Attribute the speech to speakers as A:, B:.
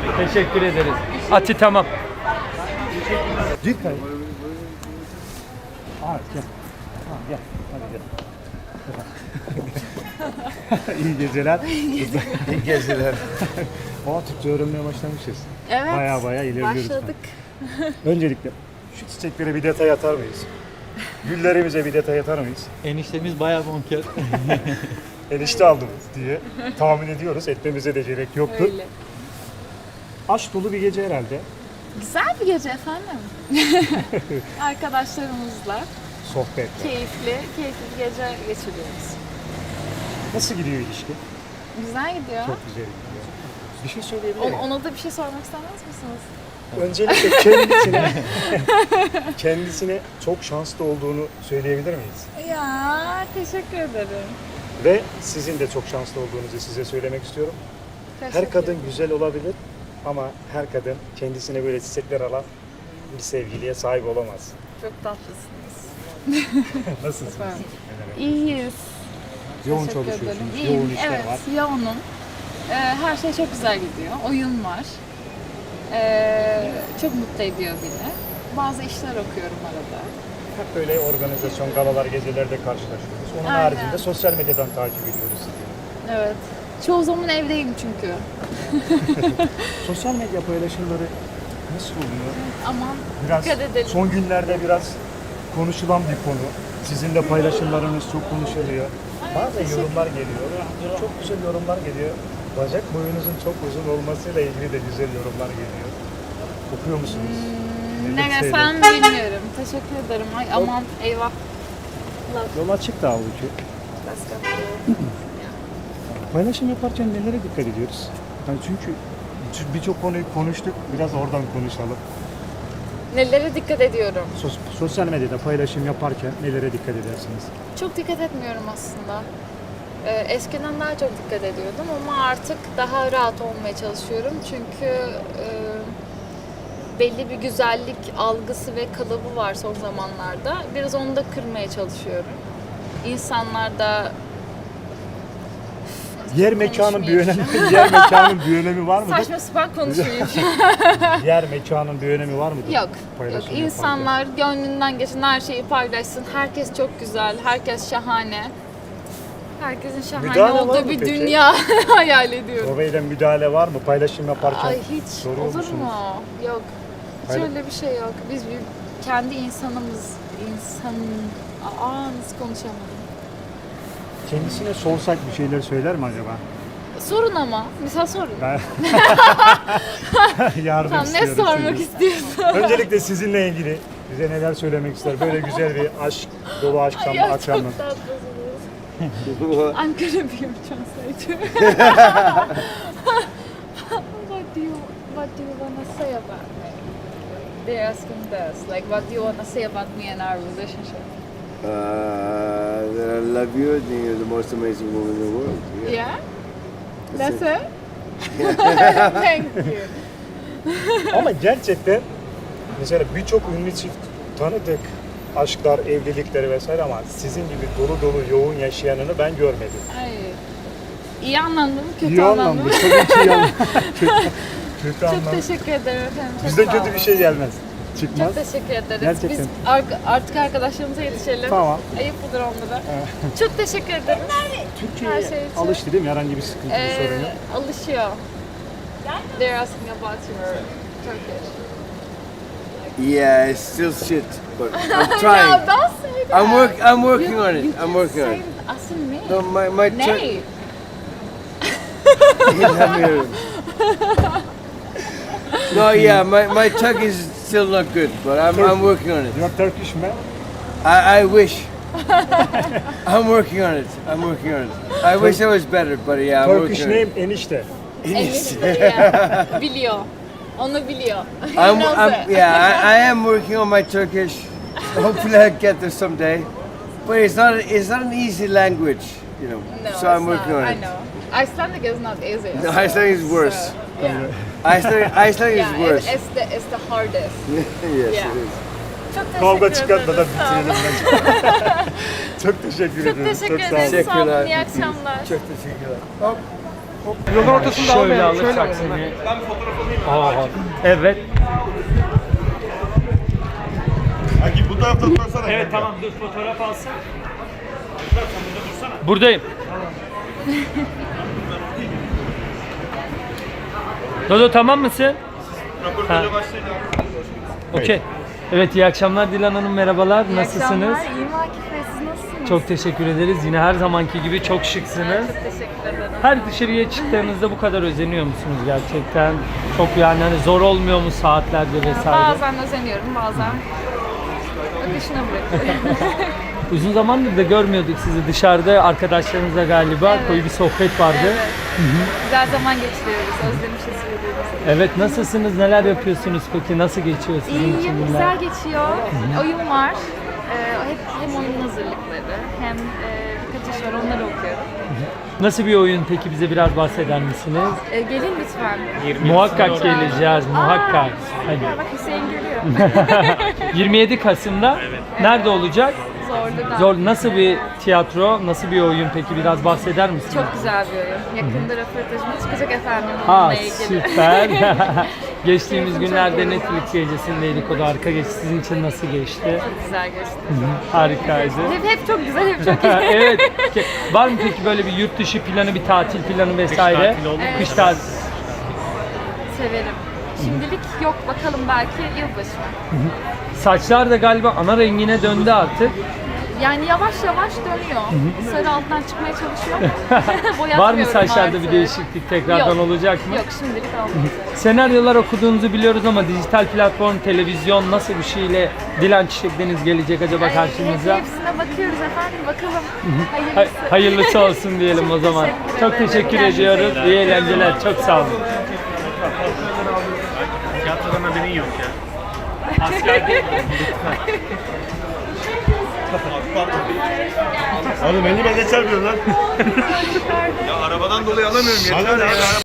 A: Teşekkür ederiz. Ati tamam.
B: Dikkat. Aa, gel. Tamam, gel. Hadi gel. İyi geceler.
C: İyi geceler.
B: Türkçe öğrenmeye başlamışız.
D: Evet.
B: Baya ilerliyoruz.
D: Başladık.
B: Öncelikle şu çiçeklere bir detay atar mıyız? Güllerimize bir detay atar mıyız?
A: Eniştemiz bayağı bonker.
B: Enişte aldım diye tahmin ediyoruz. Etmemize de gerek yoktur.
D: Öyle.
B: Aşk dolu bir gece herhalde.
D: Güzel bir gece efendim. Arkadaşlarımızla
B: Sohbet.
D: keyifli bir gece geçiriyoruz.
B: Nasıl gidiyor ilişki?
D: Güzel gidiyor.
B: Çok güzel gidiyor. Bir şey söyleyebilir miyim?
D: Ona da bir şey sormak istemez misiniz?
B: Öncelikle kendisine çok şanslı olduğunu söyleyebilir miyiz?
D: Ya teşekkür ederim.
B: Ve sizin de çok şanslı olduğunuzu size söylemek istiyorum. Her kadın güzel olabilir ama her kadın kendisine böyle çiçekler alan bir sevgiliye sahip olamaz.
D: Çok tatlısınız.
B: Nasılsınız?
D: İyiyiz.
B: Yoğun
D: Teşekkür
B: çalışıyorsunuz,
D: ederim. İyiyim.
B: yoğun işler
D: Evet,
B: var.
D: yoğunum. Her şey çok güzel gidiyor. Oyun var. Çok mutlu ediyor beni. Bazı işler okuyorum arada.
B: Hep böyle organizasyon, galalar, gecelerde karşılaşıyoruz. Onun
D: Aynen.
B: haricinde sosyal medyadan takip ediyoruz sizi.
D: Evet. Çoğu zaman evdeyim çünkü.
B: Sosyal medya paylaşımları nasıl oluyor?
D: Aman
B: Biraz
D: dikkat edelim.
B: son günlerde biraz konuşulan bir konu. Sizin de paylaşımlarınız çok konuşuluyor. Bazen yorumlar geliyor. Çok güzel yorumlar geliyor. Bacak boyunuzun çok uzun olmasıyla ilgili de güzel yorumlar geliyor. Okuyor musunuz?
D: Ne desem bilmiyorum. Teşekkür ederim. Ay aman eyvah.
B: Yol açık da halbuki. Paylaşım yaparken nelere dikkat ediyoruz? Yani çünkü birçok konuyu konuştuk. Biraz oradan konuşalım.
D: Nelere dikkat ediyorum?
B: Sosyal medyada paylaşım yaparken nelere dikkat edersiniz?
D: Çok dikkat etmiyorum aslında. Eskiden daha çok dikkat ediyordum ama artık daha rahat olmaya çalışıyorum. Çünkü belli bir güzellik algısı ve kalıbı var son zamanlarda. Biraz onu da kırmaya çalışıyorum. İnsanlar da
B: Yer mekanın bir önemi,
D: konuşmayayım.
B: yer mekanın bir önemi var mı?
D: Saçma sapan konuşmayayım.
B: Yer mekanın bir önemi var mı?
D: Yok.
B: Paylaşım
D: Yok. İnsanlar gönlünden geçen her şeyi paylaşsın. Herkes çok güzel, herkes şahane. Herkesin şahane
B: Müdahale var
D: olduğu
B: mı
D: bir
B: peki?
D: dünya hayal ediyorum.
B: Rove'den müdahale var mı? Paylaşım yaparken
D: Ay hiç
B: soruyor
D: olur
B: musunuz?
D: mu? Yok. Hiç
B: Hayır.
D: öyle bir şey yok. Biz kendi insanımız, nasıl konuşamadım.
B: Kendisine sorsak bir şeyler söyler mi acaba?
D: Sorun ama. Mesela sorun.
B: Ben yardım
D: Tamam, ne
B: istiyorum
D: sormak
B: sizden.
D: istiyorsun?
B: Öncelikle sizinle ilgili bize neler söylemek ister? Böyle güzel bir aşk, dolu aşk
D: Ya
B: akşamı.
D: çok tatlısınız. I'm gonna be your translator. What do you wanna say about me? They're asking this, like, what do you wanna say about me and our relationship?
C: That I love you and you're the most amazing woman in the world.
D: Yeah? That's it? Thank you.
B: Ama gerçekten mesela birçok ünlü çift tanıdık. Aşklar, evlilikleri vesaire ama sizin gibi dolu dolu yoğun yaşayanını ben görmedim.
D: Ay. İyi anlamda mı, kötü
B: İyi
D: anlamda
B: anlamda,
D: mı?
B: tabii ki iyi anlamda. Kötü
D: Çok
B: anlamda.
D: teşekkür ederim efendim. Çok
B: Bizden
D: sağ
B: kötü
D: olun.
B: bir şey gelmez. Çıkmaz.
D: Çok teşekkür ederiz.
B: Gerçekten.
D: Biz artık arkadaşlarımıza yetişelim.
B: Tamam.
D: Ayıp olur onlara. Çok teşekkür ederiz. Her
B: Türkiye'ye
D: şey için.
B: alıştı değil mi? Herhangi bir sıkıntı, bir sorun yok.
D: Alışıyor. They're asking about your Turkish.
C: Yeah, it's still shit, but I'm
D: No,
C: trying.
D: don't say that.
C: I'm working on it. I'm working on it.
D: Asın ne?
C: No, my
D: Ne?
C: No, yeah, my Turkish is still not good, but I'm working on it.
B: You're Turkish man.
C: I wish. I'm working on it. I'm working on it. I wish I was better, but yeah, I'm
B: Turkish
C: working on
B: name
C: it.
B: enişte.
D: Enişte ya. Biliyor. Onu biliyor. He knows it.
C: Yeah, I am working on my Turkish. Hopefully I get there someday. But it's not an easy language, you know.
D: No,
C: so I'm
D: it's
C: working
D: not.
C: on
D: I
C: it.
D: know. Icelandic is not easy.
C: No, Icelandic is worse.
D: So, yeah.
C: Icelandic
D: Yeah,
C: is worse.
D: it's the hardest.
C: Yes,
D: Yeah.
C: it is.
D: Çok
B: Kavga
D: teşekkür
B: çıkartmadan
D: ederiz. Sağ olun.
B: bitirelim bence. Çok teşekkür
D: Çok
B: ediyorum.
D: teşekkür
B: Çok sağ olun.
D: ederiz. Sağ olun. İyi
C: Teşekkürler.
D: akşamlar.
C: Çok teşekkürler.
E: Yolun ortasında
A: Şöyle
E: almayalım. Şöyle
A: alırsak
E: alalım.
A: seni. Aa, evet.
F: Hangi bu tarafta tutsana.
A: Evet tamam dur fotoğraf alsın. Buradayım. Dodo tamam mısın? Ha. Okey. Evet iyi akşamlar Dilan Hanım merhabalar. Nasılsınız?
D: İyiyim Akif Bey, siz nasılsınız?
A: Çok teşekkür ederiz. Yine her zamanki gibi çok şıksınız.
D: Çok teşekkür ederim.
A: Her dışarıya çıktığınızda bu kadar özeniyor musunuz gerçekten? Çok yani hani zor olmuyor mu saatlerde vesaire?
D: Bazen özeniyorum, bazen akışına bırakıyorum.
A: Uzun zamandır da görmüyorduk sizi dışarıda arkadaşlarınızla galiba.
D: Evet.
A: Koyu bir sohbet vardı.
D: Evet. Güzel zaman geçiriyoruz, özlemişiz birbirimizi.
A: Evet nasılsınız? Neler yapıyorsunuz peki? Nasıl geçiyor sizin için
D: İyiyim,
A: günler?
D: güzel geçiyor. Oyun var. Hem oyun hazırlıkları hem birkaç iş var, onları okuyorum.
A: Nasıl bir oyun peki bize biraz bahseder misiniz?
D: Gelin lütfen.
A: Muhakkak geleceğiz, muhakkak. Hadi.
D: Bak Hüseyin görüyor.
A: 27 Kasım'da nerede olacak?
D: Zorlu'da.
A: Zor. Nasıl bir tiyatro, nasıl bir oyun peki biraz bahseder misiniz?
D: Çok güzel bir oyun. Yakında röportajımız çıkacak efendim
A: Ha
D: onunla ilgili.
A: süper. Geçtiğimiz
D: Çok
A: günlerde
D: iyi.
A: Netflix gecesindeydik. O da harika geçti. Sizin için nasıl geçti?
D: Çok güzel geçti.
A: Harikaydı.
D: Hep çok güzel, hep çok iyi.
A: Evet. Var mı peki böyle bir yurt dışı planı, bir tatil planı vesaire?
F: tatili oldu mu?
A: Kış tatili.
D: Severim. Şimdilik yok, bakalım belki yılbaşı.
A: Saçlar da galiba ana rengine döndü artık.
D: Yani yavaş yavaş dönüyor. Sarı alttan çıkmaya çalışıyor.
A: Var mı
D: Boyatmıyorum
A: saçlarda
D: artık.
A: bir değişiklik tekrardan
D: Yok.
A: olacak mı?
D: Yok, şimdilik olmaz.
A: Senaryolar okuduğunuzu biliyoruz ama dijital platform, televizyon nasıl bir şeyle Dilan Çiçek Deniz gelecek acaba karşımıza?
D: Hepsine bakıyoruz efendim, bakalım. Hayırlısı.
A: Hayırlısı olsun diyelim o zaman.
D: teşekkür
A: Çok
D: ederim.
A: teşekkür
D: Kendinize
A: ediyoruz.
D: iyi bakın.
A: İyi eğlenceler. Çok sağ olun.
F: Tiyatrodan haberin yok ya. Oğlum elime geçer diyor lan. Ya arabadan dolayı alamıyorum yeter ya.